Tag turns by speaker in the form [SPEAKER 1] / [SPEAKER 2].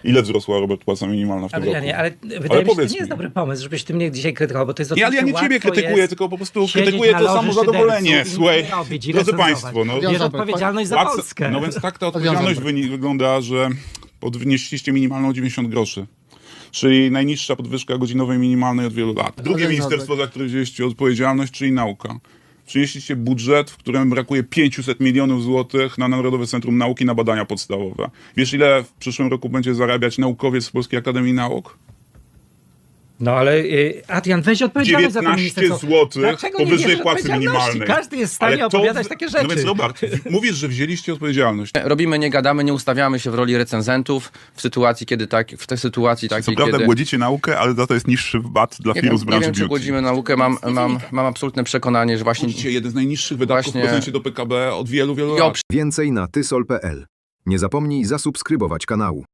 [SPEAKER 1] Ile wzrosła, Robert, płaca minimalna w tym roku?
[SPEAKER 2] Ale wydaje mi się, że to
[SPEAKER 1] powiedz
[SPEAKER 2] nie jest
[SPEAKER 1] mi.
[SPEAKER 2] dobry pomysł, żebyś ty mnie dzisiaj krytykował, bo to jest
[SPEAKER 1] Nie, ale ja nie
[SPEAKER 2] oczywiście
[SPEAKER 1] ciebie
[SPEAKER 2] łatwo
[SPEAKER 1] krytykuję,
[SPEAKER 2] jest
[SPEAKER 1] tylko po prostu
[SPEAKER 2] siedzieć
[SPEAKER 1] krytykuję
[SPEAKER 2] na
[SPEAKER 1] to
[SPEAKER 2] loży
[SPEAKER 1] samo zadowolenie.
[SPEAKER 2] szyderców i
[SPEAKER 1] Słuchaj,
[SPEAKER 2] nic nie robić i
[SPEAKER 1] drodzy
[SPEAKER 2] recenzować.
[SPEAKER 1] państwo, no,
[SPEAKER 2] Bierz odpowiedzialność za Polskę.
[SPEAKER 1] No więc tak ta odpowiedzialność wygląda, że podnieśliście minimalną o 90 groszy. Czyli najniższa podwyżka godzinowej minimalnej od wielu lat. Drugie ministerstwo, za które wzięliście odpowiedzialność, czyli nauka. Przynieśliście budżet, w którym brakuje 500 milionów złotych na Narodowe Centrum Nauki na badania podstawowe. Wiesz, ile w przyszłym roku będzie zarabiać naukowiec z Polskiej Akademii Nauk?
[SPEAKER 2] No ale Adrian, weź odpowiedzialność za to
[SPEAKER 1] 19
[SPEAKER 2] ministerstwo.
[SPEAKER 1] zł
[SPEAKER 2] Dlaczego nie
[SPEAKER 1] powyżej
[SPEAKER 2] bierzesz
[SPEAKER 1] płacy
[SPEAKER 2] odpowiedzialności?
[SPEAKER 1] minimalnej.
[SPEAKER 2] Każdy jest w stanie
[SPEAKER 1] Ale to-
[SPEAKER 2] opowiadać takie rzeczy.
[SPEAKER 1] No więc Robert, mówisz, że wzięliście odpowiedzialność.
[SPEAKER 3] Robimy, nie gadamy, nie ustawiamy się w roli recenzentów w sytuacji, kiedy w tej sytuacji
[SPEAKER 1] Co
[SPEAKER 3] takiej,
[SPEAKER 1] prawda
[SPEAKER 3] kiedy...
[SPEAKER 1] głodzicie naukę, ale za to jest niższy VAT dla firm z
[SPEAKER 3] nie
[SPEAKER 1] branży
[SPEAKER 3] wiem, czy
[SPEAKER 1] beauty.
[SPEAKER 3] głodzimy naukę, mam absolutne przekonanie, że właśnie...
[SPEAKER 1] Widzicie, jeden z najniższych wydatków
[SPEAKER 3] Właśnie-
[SPEAKER 1] w procencie do PKB od wielu, wielu
[SPEAKER 3] Ja
[SPEAKER 1] lat.
[SPEAKER 4] Więcej na tysol.pl. Nie zapomnij zasubskrybować kanału.